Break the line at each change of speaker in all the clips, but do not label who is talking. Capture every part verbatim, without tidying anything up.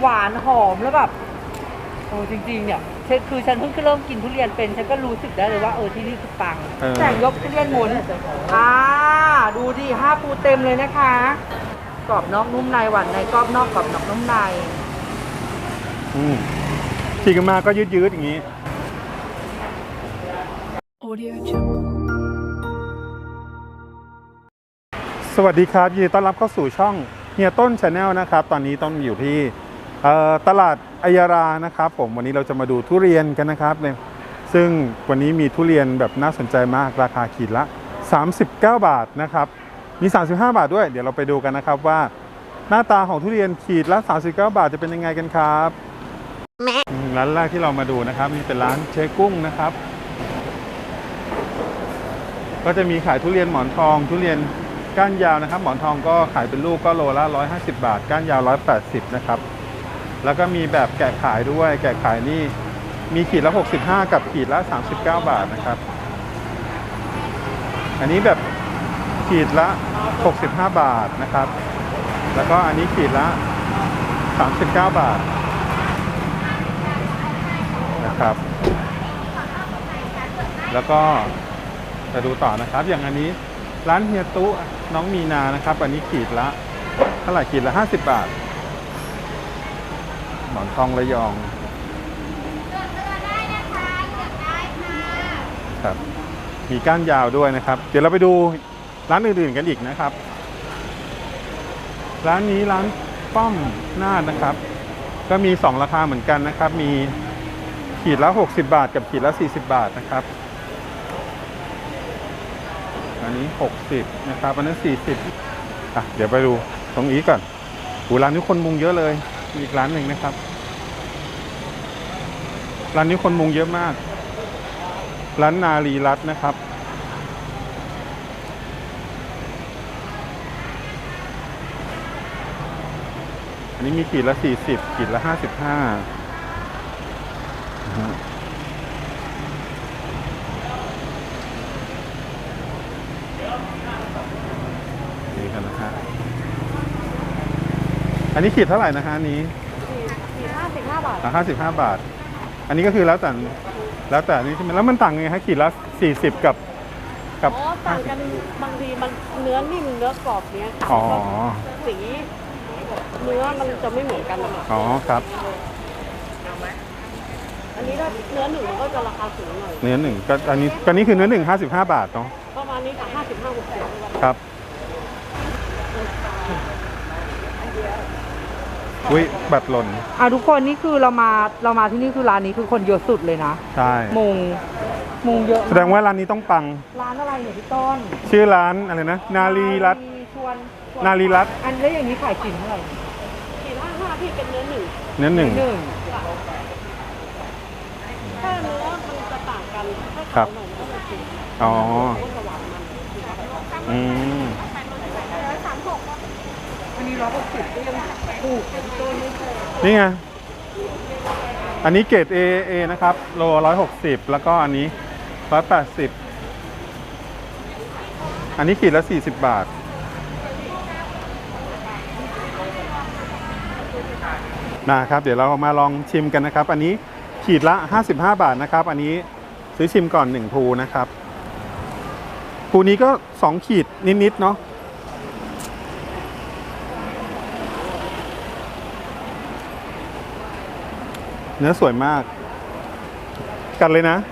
หวานหอมแล้วแบบโอ้จริงๆเนี่ยคือฉันเพิ่งเริ่มกินทุเรียนเป็นฉันก็รู้สึกได้เลยว่าเออที่นี่คือปังแต่ยกทุเรียนหมุนอ่าดูดิห้าปูเต็มเลยนะคะกรอบนอกนุ่มในหวานในกรอบนอกกรอบนอกนุ่มใน
อืมฉีกมาก็ยืดๆอย่างนี้สวัสดีครับยินดีต้อนรับเข้าสู่ช่องเฮียต้น Channel นะครับตอนนี้ต้นอยู่ที่ตลาดอัยรานะครับผมวันนี้เราจะมาดูทุเรียนกันนะครับเนี่ยซึ่งวันนี้มีทุเรียนแบบน่าสนใจมากราคาขีดละสามสิบเก้าบาทนะครับมีสามสิบห้าบาทด้วยเดี๋ยวเราไปดูกันนะครับว่าหน้าตาของทุเรียนขีดละสามสิบเก้าบาทจะเป็นยังไงกันครับร้านแรกที่เรามาดูนะครับนี่เป็นร้านเชกุ้งนะครับก็จะมีขายทุเรียนหมอนทองทุเรียนก้านยาวนะครับหมอนทองก็ขายเป็นลูกก็โลละหนึ่งร้อยห้าสิบบาทก้านยาวหนึ่งร้อยแปดสิบนะครับแล้วก็มีแบบแกะขายด้วยแกะขายนี่มีขีดละหกสิบห้ากับขีดละสามสิบเก้าบาทนะครับอันนี้แบบขีดละหกสิบห้าบาทนะครับแล้วก็อันนี้ขีดละสามสิบเก้าบาทนะครับแล้วก็จะดูต่อนะครับอย่างอันนี้ร้านเฮียตุน้องมีนานะครับอันนี้ขีดละเท่าไหร่ขีดละห้าสิบบาทหมอนทองระยองครับมีก้านยาวด้วยนะครับเดี๋ยวเราไปดูร้านอื่นๆกันอีกนะครับร้านนี้ร้านป้อมนาดนะครับก็มีสองราคาเหมือนกันนะครับมีขีดละหกสิบบาทกับขีดละสี่สิบบาทนะครับอันนี้หกสิบนะครับอันนั้นสี่สิบอ่ะเดี๋ยวไปดูตรงนี้ก่อนอูร้านนี้คนมุงเยอะเลยมีอีกร้านหนึ่งนะครับร้านนี้คนมุงเยอะมากร้านนารีรัตน์นะครับอันนี้มีขีดละสี่สิบขีดละห้าสิบห้านี่กันนะฮะอันนี้ขีดเท่าไหร่นะฮะนี้
ขีดห้าสิบห้าบาท
ห้าสิบห้าบาทอันนี้ก็คือแล้วแต่แล้วแต่นี่ใช่ไหมแล้วมันต่างไงฮะขีดละสี่สิบกับกับ
อ๋อต่างกันบางทีมันเนื้อนิ่มเนื้อกรอบเนี้ย
อ๋อ
สีเนื้อมันจะไม่เหมือนกันนะ
อ๋อครับ
อันนี้ถ้าเนื้อหนึ่งมันก็จะราคาสูงหน่อย
เนื้อหนึ่งก็อันนี้ก็นี้คือเนื้อหนึ่งห้าสิบห้าบาทเนาะ
ประมาณนี้ค่ะห้าสิบห้าหกสิบ
ครับอุ้ยบัตรหล่น
อ่ะทุกคนนี่คือเรามาเรามาที่นี่คือร้านนี้คือคนเยอะสุดเลยนะ
ใช่
มุงมุงเยอะ
แสดงว่าร้านนี้ต้องปัง
ร้านอะไรเนี่ยพี่ต้น
ชื่อร้านอะไรนะนารีรัตน์นารีรัตน์
อันแล้วอย่างนี้ขายกี่เท่าไหร่กี่ห้าห้าพี่เป็นเนื้อหนึ่ง
เนื้อหนึ่ง
ถ้าเนื้อมันจะต่างกัน
ครับอ๋ออืม
อันนี้ร้อยหกสิบก็ยังถูกพี่ต้นไม่ใช่
นี่ไงอันนี้เกรด เอ เอ นะครับโลร้อยหกสิบแล้วก็อันนี้ร้อยแปดสิบอันนี้ขีดละสี่สิบบาทนะครับเดี๋ยวเรามาลองชิมกันนะครับอันนี้ขีดละห้าสิบห้าบาทนะครับอันนี้ซื้อชิมก่อนหนึ่งภูนะครับภูนี้ก็สองขีดนิดๆเนาะเนื้อสวยมากกัดเลยนะ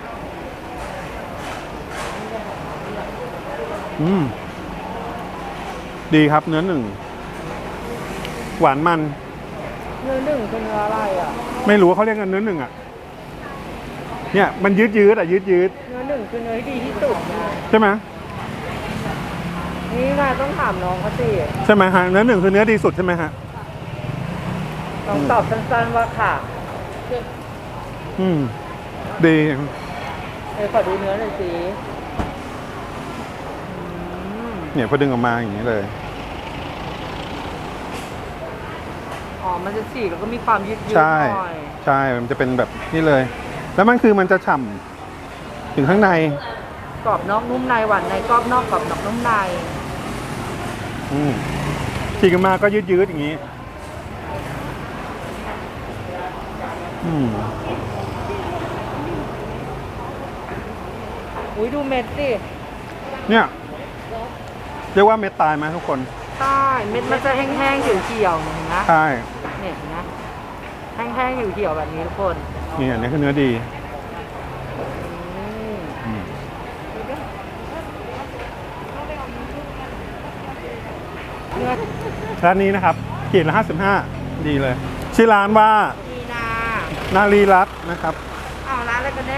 อืมดีครับเนื้อหนึ่งหวานมัน
เนื้อหนึ่งเป็นเนื้ออะไรอ่ะ
ไม่รู้เขาเรียกกันเนื้อหนึ่งอ่ะเนี่ยมันยืดยืดอ่ะยืดยืด
เนื้อหนึ่งคือเนื้อที่ดีที่สุด
ใช่ไหม
นี่นายต้องถามน้องเขาสิ
ใช่ไหมฮะเนื้อหนึ่งคือเนื้อดีสุดใช่ไหมฮะ
ต้องตอบสั้นๆว่าค่ะ
อืมดี
เออขอดูเนื้อหน่อยสิ
เนี่ยพอดึงออกมาอย่างนี้เลย
อ๋อมันจะฉีกแล้วก็มีความยืดๆหน่อย
ใช่มันจะเป็นแบบนี้เลยแล้วมันคือมันจะฉ่ำถึงข้างใน
กรอบนอกนุ่มในหวานในกรอบนอกกรอบนอกนุ่มใน
อืมฉีกออกมาก็ยืดๆอย่างนี้อืม
อุ้ยดูเม็ดสิ
เนี่ยเรียกว่าเม็ดตายไหมทุกคน
ใช่เม็ดมันจะแห้งๆเขียวๆเห็นไหม
ใช่
เนี่ยเห็นไหมแห้งๆเขียวๆแบบนี้ทุกคน
นี่อันนี้คือเนื้อดี
อืม
อืม
เนื้อ
ร้านนี้นะครับขีดละห้าสิบห้าดีเลย ชื่อร้านว่า
มีนา
นารีรัตน์นะครับ
อ้าวร้านอะไรกันแน่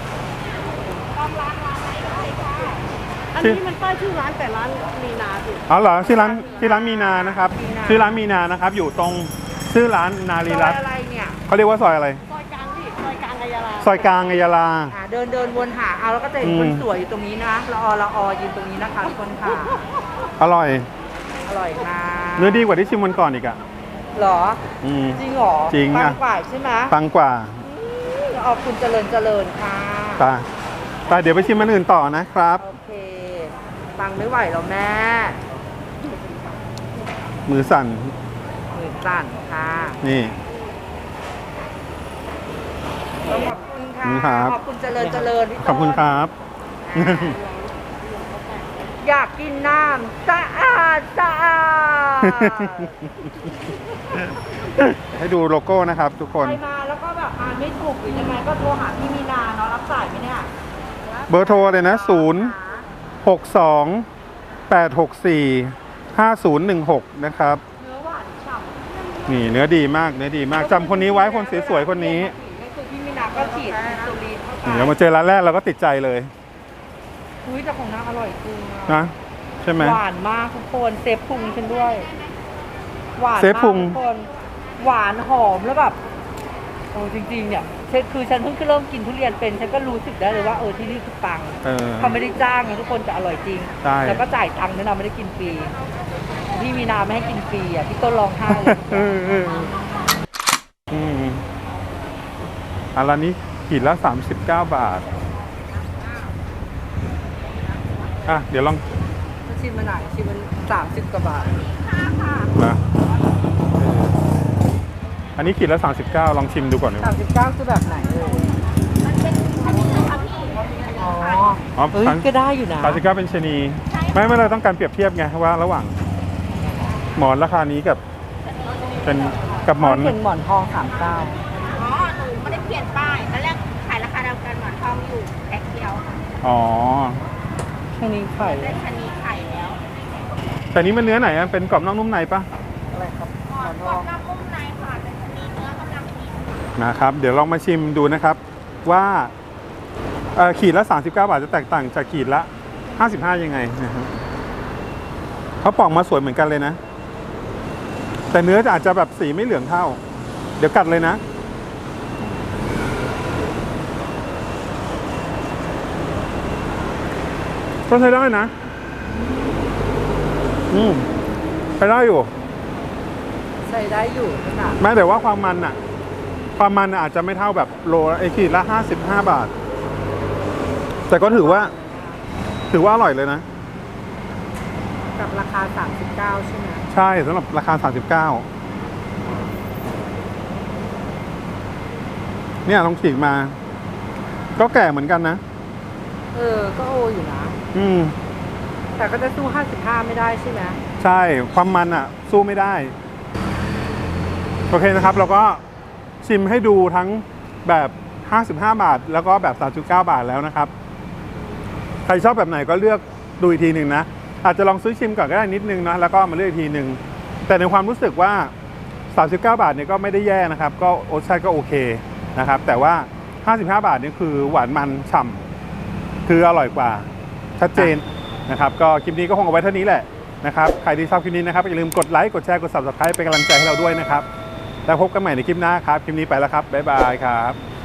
อันนี้มันป้ายชื่อร้านแต่ร้านมีนาสิ
อ๋อเหรอชื่อร้านชื่อร้านมีนานะครับชื่อร้านมีนานะครับ อยู่ตรงชื่อร้านนารี
ซอ
รั
ย
ตน์
อะไรเนี่ย
เขาเรียกว่าซอยอะไร
ซอยกลางสิซอยกลางอัยยาลา
ซอยกลางอัยยาลา
อ่าเดินเดินวนหาเอาแล้วก็จะเห็น
อืม
คนสวยอยู่ตรงนี้นะละออละออยืนตรงนี้นะคะทุกคนค่ะ
อร่อย
อร่อยมาก
เนื้อดีกว่าที่ชิมวันก่อนอีกอ่ะ
เหรอ
อืม
จริงเหรอ
จริง
ปั
อะ
งกว่าใช่ไหม
ปังกว่า
ขอบคุณเจริญเจริญค่ะ
ไปไปเดี๋ยวไปชิมมันอื่นต่อนะครับ
โอเคปังไม่ไหวแล้วแม่
มือสั่น
มือสั่นค่ะ
นี่
ขอบคุณค่ะ
ครับ
ขอบคุณเจริญเจริญพี่ต้น
ขอบคุณครับ
อ่าอยากกินน้ำสะอาดสะอาด
ให้ดูโลโก้นะครับทุกคน
ใครมาแล้วก็แบบอ่านไม่ถูกหรือยังไงก็โทรหาพี่มีนาเนาะรับสายไหมเนี่ย
เบอร์โทรเลยนะศูนย์ หก สอง แปด หก สี่ ห้า ศูนย์ หนึ่ง หกนะครับ
เนื้อหวานฉ่ำ
นี่เนื้อดีมากเนื้อดีมากจำคนนี้ไว้คนสวยๆคนนี้
นี่คือพี่มีนาก็ฉีดอินซูลินเข้าไป
นี่เรามาเจอร้านแรกเราก็ติดใจเลย
อุ้ยแต่ของนางอร่อยจริงอะ
นะใช่ไหม
หวานมากทุกคนเซฟพุงฉันด้วย หวาน
เซฟพุง
มากทุกคนหวานหอมแล้วแบบโอ้จริงๆเนี่ยฉันคือฉันเพิ่งเริ่มกินทุเรียนเป็นฉันก็รู้สึกได้เลยว่าเออที่นี่คือปัง
เออ
เขาไม่ได้จ้างนะทุกคนจะอร่อยจริง
ใช่
แล้วก็จ่ายตังค์ด้วยนะไม่ได้กินฟรีพี่มีนาไม่ให้กินฟรีอ่ะพี่ต้นร้องไห้เลย
เออเอออืมอันละนี้ขีดละสามสิบเก้าบาทอ่ะเดี๋ยวลอง
ชิมมาหน่อยชิมมันสามสิบกว่าบาท
นะเอออันนี้ขีดละสามสิบเก้าลองชิมดูก่อนดีก
สา
ว่าม
สิบเก้าคือแบบไหนเอ่ยอ๋อ
อ๋อ
เอ้ยก็ได้อยู่นะ
สามสิบเก้าเป็นชะนีไม่ไม่เราต้องการเปรียบเทียบไงว่าระหว่าง หมอนราคานี้กับ เป็นกับหมอน
เป็นหมอนทองสามเก้า
อ๋อ หนูไม่ได้เปลี่ยนป้ายตอนแรกขายราคาเดียวกันหมอนทองอยู่แพ็คเดียว
อ๋อ
แค่นี้ไข่
ได้ชะนีไข่แล้ว
แต่นี้มันเนื้อไหนอะเป็นกรอบนอกนุ่มในปะ
อะไรครับหมอนท
กร
อ
อง บนอกนุ่มในค่ะเป็นชะนีเนื้อกำลังดี
นะครับ เดี๋ยวลองมาชิมดูนะครับ ว่าเอ่อขีดละสามสิบเก้าบาทจะแตกต่างจากขีดละห้าสิบห้ายังไงนะครับเขาปอกมาสวยเหมือนกันเลยนะ แต่เนื้อจะอาจจะแบบสีไม่เหลืองเท่า เดี๋ยวกัดเลยนะ ก็ใช้ได้นะ อืมใช้ได้อยู่
ใช้ได้อยู่ขนาด
แม้แต่ว่าความมันอะความมันอะอาจจะไม่เท่าแบบโลละไอขีดละห้าสิบห้าบาท แต่ก็ถือว่า ถือว่าอร่อยเลยนะ
กับราคาสามสิบเก้าใช่ไหม
ใช่สำหรับราคาสามสิบเก้าเนี่ยลองฉีกมา ก็แก่เหมือนกันนะ
เออก็โออยู่นะ
อืม
แต่ก็จะสู้ห้าสิบห้าไม่ได้ใช่ไหม
ใช่ความมันอ่ะ สู้ไม่ได้ โอเคนะครับ เราก็ชิมให้ดูทั้งแบบห้าสิบห้าบาท แล้วก็แบบสามสิบเก้าบาทแล้วนะครับ ใครชอบแบบไหนก็เลือกดูอีกทีหนึ่งนะ อาจจะลองซื้อชิมก่อนก็ได้นิดนึงนะแล้วก็มาเลือกอีกทีหนึ่งแต่ในความรู้สึกว่าสามสิบเก้าบาทเนี่ยก็ไม่ได้แย่นะครับ ก็รสชาติก็โอเคนะครับ แต่ว่าห้าสิบห้าบาทนี่คือหวานมันฉ่ำคืออร่อยกว่าชัดเจนนะครับ ก็คลิปนี้ก็คงเอาไว้เท่านี้แหละนะครับใครที่ชอบคลิปนี้นะครับอย่าลืมกดไลค์กดแชร์กด ซับสไครบ์ เป็นกำลังใจให้เราด้วยนะครับแล้วพบกันใหม่ในคลิปหน้าครับคลิปนี้ไปแล้วครับบ๊ายบายครับ